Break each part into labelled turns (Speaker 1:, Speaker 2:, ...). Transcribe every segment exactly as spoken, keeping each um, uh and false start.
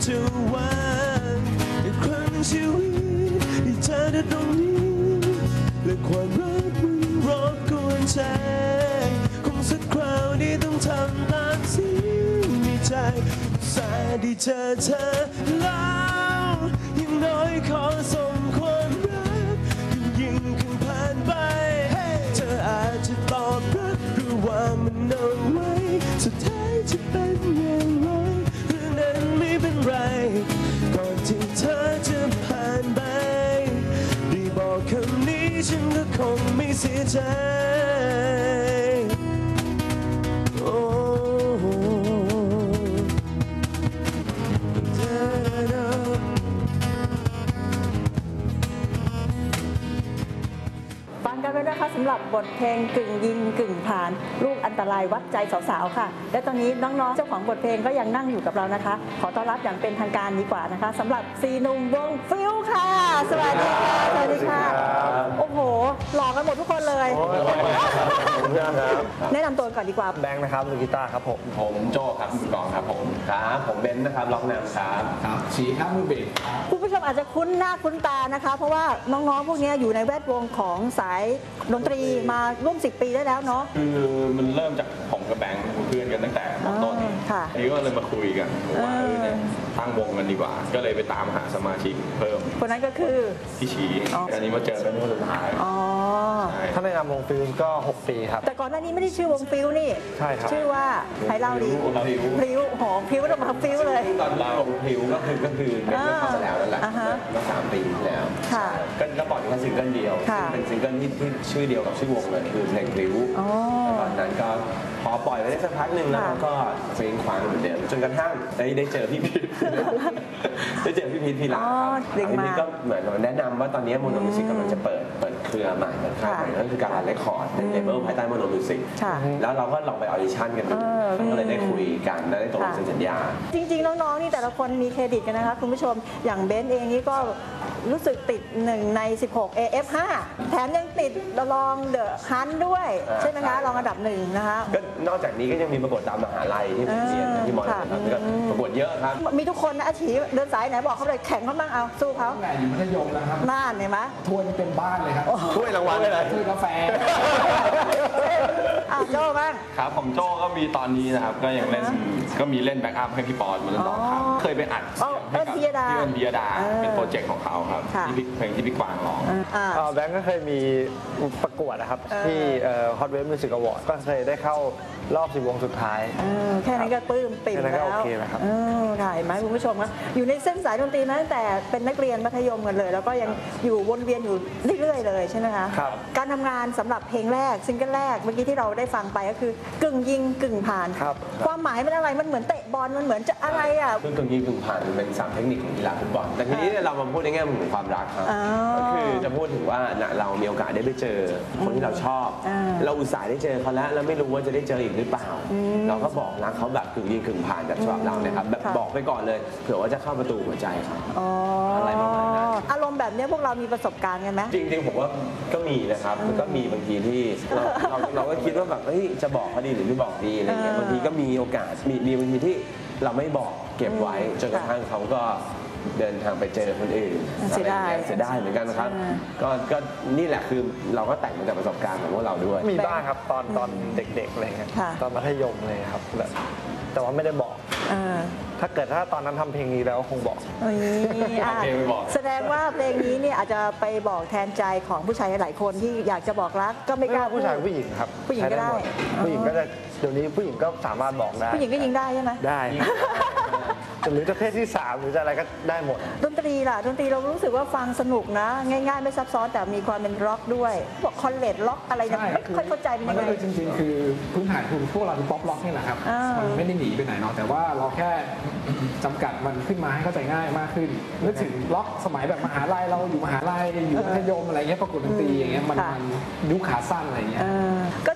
Speaker 1: จะวางอีกครั้งชีวิตที่เธอได้ตรงนี้และความรักมันรบกวนใจคงสักคราวนี้ต้องทำตามสิ่งในใจสาดีเจอเธอแล้วยังน้อยขอส่งความรักยิ่งขึ้นผ่านไปเธออาจจะตอบรับหรือว่ามันเอาไว้สุดท้ายจะเป็นอย่างไรเรื่องนั้นไม่เป็นไรก่อนที่เธอจะผ่านไปได้บอกคำนี้ฉันก็คงไม่เสียใจโอ้
Speaker 2: ฟังกันไปนะคะสำหรับบทเพลงกึ่งยิงกึ่งผ่านลูกอันตรายวัดใจสาวๆค่ะและตอนนี้น้องๆเจ้าของบทเพลงก็ยังนั่งอยู่กับเรานะคะขอต้อนรับอย่างเป็นทางการดีกว่านะคะสำหรับซีหนุ่มวงฟิวค่ะสวัสดีค่ะสวัสดีค่ะโอ้โหหล่อกันหมดทุกคนเลยแนะนำตัวก่อนดีกว่า
Speaker 3: แบงค์นะครับมือกีตาร์ครับผม
Speaker 4: ผมโจ้ครับมือกลองครับผมครับผมเบนซ์นะครับร้องนำครับ
Speaker 5: ครับชีครับมือเบส
Speaker 2: คุณผู้ชมอาจจะคุ้นหน้าคุ้นตานะคะเพราะว่าน้องๆพวกนี้อยู่ในแวดวงของสายดนตรีมาร่วมสิบปีได้แล้วเนาะ
Speaker 4: คือมันเริ่มจากผมกับแบงค์เพื่อนกันตั้งแต่ต้นนี่ก็เลยมาคุยกันว่าเออเนี่ยตั้งวงกันดีกว่าก็เลยไปตามหาสมาชิกเพิ่ม
Speaker 2: คนนั้นก็คือ
Speaker 4: พี่ชีอันนี้มาเจอกันเมื่อสุดท้าย
Speaker 2: อ๋อ
Speaker 3: ถ้าในนามวงฟิวก็หกปีครับ
Speaker 2: แต่ก่อนหน้านี้ไม่ได้ชื่อวงฟิวนี่
Speaker 3: ใช่ครับ
Speaker 2: ชื่อว่าไทยเล่าดีพริ้วหอมพริ้วเรามาพริ้วเลย
Speaker 4: ตอนเราพริ้วก็คือก็คือเป็นเรื่องเข้ามาแล้วนั่นแหละเมื่อสามปีที่แล้วก็ก็ปล่อยแค่ซิงเกิลเดียวเป็นซิงเกิลที่ที่ชื่อเดียวกับชื่อวงเลยคือเพลงพริ้วตอนนั้นก็พอปล่อยไปได้สักพักหนึ่งแล้วก็เพลงคว้างเหมือนเดิมจนกระทั่งได้ได้เจอพี่พีทได้เจอพี่พีทพีหลังครับพี่พีทก็เหมือนแนะนำว่าตอนนี้โมโนมิวสิกกำลังจะเปิดเปิดเครือใหม่เปิดค่ายใหม่นั่นคือการเรคคอร์ดในเลเวลภายใต้โมโนมิวสิกแล้วเราก็ลองไปออดิชั่นกันดูก็เลยได้คุยกันได้ตกลงเซ็นสัญญา
Speaker 2: จริงๆน้องๆนี่แต่ละคนมีเครดิตกันนะคะคุณผู้ชมอย่างเบนซ์เองนี่ก็รู้สึกติดหนึ่งในสิบหก เอ เอฟ ห้า แถมยังติดรองเดอะฮันด้วยใช่ไหมคะรองอันดับหนึ่งนะคะ
Speaker 4: ก็นอกจากนี้ก็ยังมีประกวดตามมหาลัยที่ผมเรียนที่มอญครับก็ประกวดเยอะครับ
Speaker 2: มีทุกคนนะอาชีพเดินสายไหนบอกเขาเลยแข่งเขาบ้างเอาสู้เขา
Speaker 5: แข่งอยู่มัธยมแล้วครับ
Speaker 2: น่านเห็นไหม
Speaker 5: ถ้วยนี่เป็นบ้านเลยครับ
Speaker 4: ถ้วยรางวัลเลย
Speaker 5: ถ้วยกาแฟ
Speaker 2: อ้าวโจ้บ้าง
Speaker 4: ครับผมโจ้ก็มีตอนนี้นะครับก็ยังเล่นก็มีเล่นแบ็กอัพให้พี่ปอนมาเล่นต่อครับเคยไปอัด
Speaker 2: ให้กับพี่เอิญ
Speaker 4: พี่เอิญพิยดาเป็นโปรเจกต์ของเขาครับที่เพลงที่พี่กวางร้อง
Speaker 3: แบงก์ก็เคยมีประกวดนะครับที่ Hot Wave Music Award ก็เคยได้เข้ารอบสิบวงสุดท้าย
Speaker 2: แค่นั้นก็ปลื้มปิ่มแล้วค่ะเห็นไหมคุณผู้ชมครับอยู่ในเส้นสายดนตรีมาตั้งแต่เป็นนักเรียนมัธยมกันเลยแล้วก็ยังอยู่วนเวียนอยู่เรื่อยๆเลยใช่ไหมคะการทำงานสำหรับเพลงแรกซิงเกิลแรกเมื่อกี้ที่เราได้ฟังไปก็คือกึ่งยิงกึ่งผ่านความหมายมันอะไรมันเหมือนเตะบอลมันเหมือนจะอะไรอ่ะ
Speaker 4: กึ่งยิงกึ่งผ่านเป็นสามเทคนิคของกีฬาฟุตบอลแต่ทีนี้เรามาพูดในแง่มุมของความรักครับก็คือจะพูดถึงว่าเรามีโอกาสได้ไปเจอคนที่เราชอบเราอุตส่าห์ได้เจอเขาแล้วแล้วไม่รู้ว่าจะได้เจออีกหรือเปล่าเราก็บอกรักเขาแบบกึ่งยิงกึ่งผ่านแบบฉบับเราเนี่ยครับแบบบอกไปก่อนเลยเผื่อว่าจะเข้าประตูหัวใจเขาอะไรประมาณนั้น
Speaker 2: อารมณ์แบบนี้พวกเรามีประสบการณ์กันไหม
Speaker 4: จริงๆผมว่าก็มีนะครับก็มีบางทีที่เราเราเราก็คิดว่าแบบเฮ้ยจะบอกเขาดีหรือไม่บอกดีอะไรเงี้ยบางทีก็มีโอกาสมีมีบางทีที่เราไม่บอกเก็บไว้จนกระทั่งเขาก็เดินทางไปเจอคนอื่น
Speaker 2: เสียดาย
Speaker 4: เสียดายเหมือนกันนะครับก็ก็นี่แหละคือเราก็แต่งมาจากประสบการณ์ของพวกเราด้วย
Speaker 3: มีบ้างครับตอนตอนเด็กๆอะไรเงี้ยตอนมัธยมเลยครับแต่ว่าไม่ได้บอกถ้าเกิดถ้าตอนนั้นทำเพลงนี้แล้วคงบอก
Speaker 2: แสดงว่าเพลงนี้เนี่ยอาจจะไปบอกแทนใจของผู้ชายหลายคนที่อยากจะบอกรักก็ไม่กล้า
Speaker 3: ผู้ชายผู้หญิงครับ
Speaker 2: ผู้หญิงก็ได้
Speaker 3: ผู้หญิงก็จะเดี๋ยวนี้ผู้หญิงก็สามารถบอกได้
Speaker 2: ผู้หญิงก็ยิงได้ใช่ไหม
Speaker 3: ได้หรือจะเพศที่สามหรือจะอะไรก็ได้หมด
Speaker 2: ดนตรีล่ะดนตรีเรารู้สึกว่าฟังสนุกนะง่ายๆไม่ซับซ้อนแต่มีความเป็นร็อกด้วยพวกคอนเลดล็อกอะไรเนี่ยไม่ค่อยเข้าใจเป็นยังไง
Speaker 5: มันก็จริงๆคือพื้นฐานคือพวกเราคือป๊อปล็อกนี่แหละครับมันไม่ได้หนีไปไหนเนาะแต่ว่าเราแค่จำกัดมันขึ้นมาให้เข้าใจง่ายมากขึ้นนึกถึงล็อกสมัยแบบมหาลัยเราอยู่มหาลัยอยู่มัธยมอะไรเงี้ยประกวดดนตรีอย่างเงี้ยมันยุคขาสั้นอะไรเงี้ย
Speaker 2: ก็จ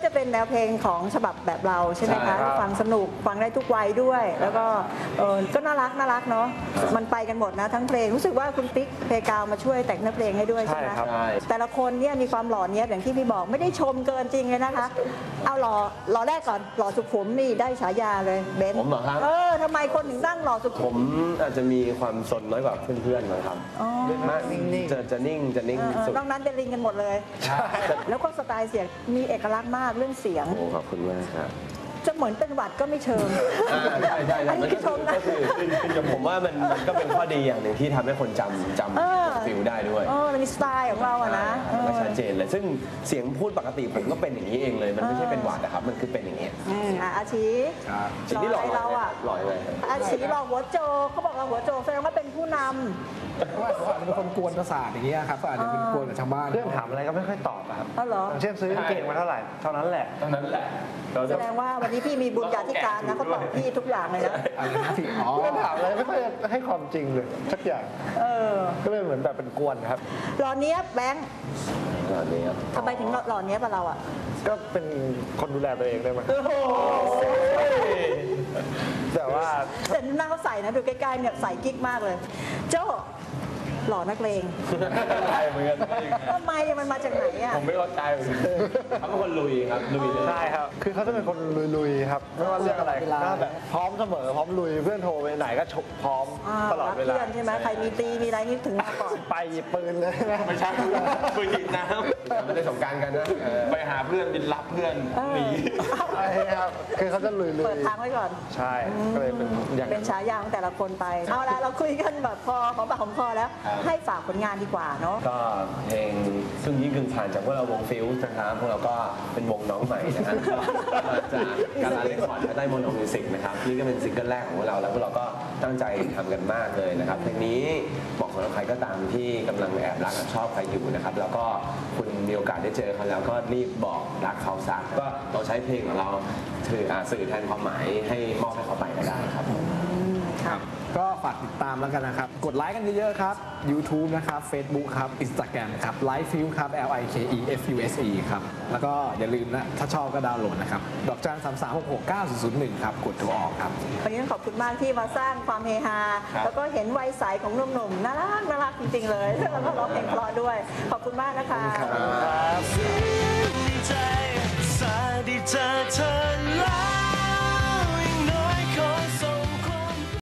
Speaker 2: จะเป็นแนวเพลงของฉบับแบบเราใช่ไหมคะฟังสนุกฟังได้ทุกวัยด้วย แล้วก็เออก็น่ารักน่ารักเนาะมันไปกันหมดนะทั้งเพลงรู้สึกว่าคุณติ๊กเพกาวมาช่วยแต่งเนื้อเพลงให้ด้วยใช่ไหมแต่ละคนเนี่ยมีความหล่อเนี้ยอย่างที่พี่บอกไม่ได้ชมเกินจริงเลยนะคะเอาหล่อหล่อแรกก่อนหล่อสุขุมนี่ได้ฉายาเลยเบนซ์
Speaker 4: ผมเหรอครับ
Speaker 2: เออทำไมคนถึงตั้งหล่อสุขุ
Speaker 4: มผมอาจจะมีความสนน้อยกว่าเพื่อนๆนะครับมากนิ่งๆจะจะนิ่งจะนิ่งสุด
Speaker 2: นอกนั้นเป็นลิงกันหมดเลยแล้วก็สไตล์เสียงมีเอกลักษณ์มากเรื่องเสียง
Speaker 4: โอ้ขอบคุณมากครับ
Speaker 2: จะเหมือนเป็นหวัดก็ไม่เชิง
Speaker 4: ใช่ใช่มันก็คือก็คือผมว่ามันมันก็เป็นข้อดีอย่างหนึ่งที่ทำให้คนจำจำฟิลได้ด้วย
Speaker 2: เออมีสไตล์ของเราอะนะ
Speaker 4: มันก็ชัดเจนเลยซึ่งเสียงพูดปกติผมก็เป็นอย่างนี้เองเลยมันไม่ใช่เป็นหวัดนะครับมันคือเป็นอย่างนี้
Speaker 2: อาชี
Speaker 4: สิ่งที่หล่อ
Speaker 2: เราอะ
Speaker 4: หล่อเลย
Speaker 2: อาชีหล่อหัวโจเขาบอกเราหัวโจแสดงว่าเป็นผู้นำ
Speaker 5: ว่าเขาอาจจะเป็นคนกวนประสาทอย่างเงี้ยครับอาจจะเป็นกวนกับชาวบ้าน
Speaker 3: เรื่องถามอะไรก็ไม่ค่อยตอบครับ
Speaker 2: อ๋อเหรอ
Speaker 3: เช่นซื้อกางเกงมาเท่าไหร่เท่านั้นแหละ
Speaker 4: เท่านั้นแหละ
Speaker 2: แสดงว่าวันนี้พี่มีบุญญาธิการนะเขาตอบพี่ทุกอย่างเลยนะ
Speaker 3: เรื่องถามอะไรไม่ค่อยให้ความจริงเลยสักอย่างก็เลยเหมือนแบบเป็นกวนครับ
Speaker 2: หล่อเนี้ยแบงค์
Speaker 4: หล่อเนี้ย
Speaker 2: ทำไมถึงหล่อเนี้ยกับเราอ่ะ
Speaker 3: ก็เป็นคนดูแลตัวเองได้ไหมแต่ว่า
Speaker 2: แต่หน้าเขาใส่นะดูใกล้ๆเนี่ยใส่กิ๊กมากเลยโจ้หล่อนักเลง
Speaker 4: ใช่เหมือนกัน
Speaker 2: ทำไมมันมาจากไหนอ่ะ
Speaker 4: ผมไม่เข้าใจเขาเป็นคนลุยครับลุย
Speaker 3: ใช่ครับคือเขาจะเป็นคนลุยๆครับไม่ว่าเรื่องอะไรก็แบบพร้อมเสมอพร้อมลุยเพื่อนโทรไปไหนก็ชกพร้อมตลอดเวลา
Speaker 2: เพื่อนใช่ไหมใครมีตีมีอะไรนี่ถึงมาก่อน
Speaker 3: ไปหยิบปืนเลย
Speaker 4: ไม่ใช่ปืนหยิบน้ำไม่ได้สงการกันนะไปหาเพื่อนบินรับเพื่อนหนี
Speaker 3: ใช่ครับคือเขาจะลุยๆ
Speaker 2: เปิดทางไว้ก่อน
Speaker 3: ใช่ก็เลยเป็นอย่าง
Speaker 2: เป็นฉายาของแต่ละคนไปเอาละเราคุยกันแบบพอของปากของคอแล้วให้ฝากผลงานดีกว่าเนาะ
Speaker 4: ก็เพลงซึ่งยิ่งกึ่งผ่านจากพวกเราวงฟิลส์นะครับพวกเราก็เป็นวงน้องใหม่นะครับมาจากการลาเรคคอร์ดและได้โมโนมิวสิกนะครับนี่ก็เป็นซิงเกิลแรกของพวกเราแล้วพวกเราก็ตั้งใจทำกันมากเลยนะครับเพลงนี้บอกสำหรับใครก็ตามที่กำลังแอบรักแอบชอบใครอยู่นะครับแล้วก็คุณมีโอกาสได้เจอเขาแล้วก็รีบบอกรักเขาซะก็เราใช้เพลงของเราถือสื่อแทนความหมายให้มอบให้เขาไปก็ได้ครับ
Speaker 5: ครับก็ฝากติดตามแล้วกันนะครับกดไลค์กันเยอะๆครับ YouTube นะครับ Facebook ครับ Instagram ครับ Lifefuse ครับ L I K E F U S E ครับแล้วก็อย่าลืมนะถ้าชอบก็ดาวน์โหลดนะครับดอกจันสามสามหกหกเก้าศูนย์ศูนย์หนึ่งครับกดโทรออกครับ
Speaker 2: วันนี้ต้องขอบคุณมากที่มาสร้างความเฮฮาแล้วก็เห็นวัยใสของหนุ่มๆน่ารักน่ารักจริงๆเลยแล้วก็ร้องเพลงเพราะด้วยขอบคุณมากนะคะ
Speaker 1: ดีใจสาดีเจอเธอแล้ว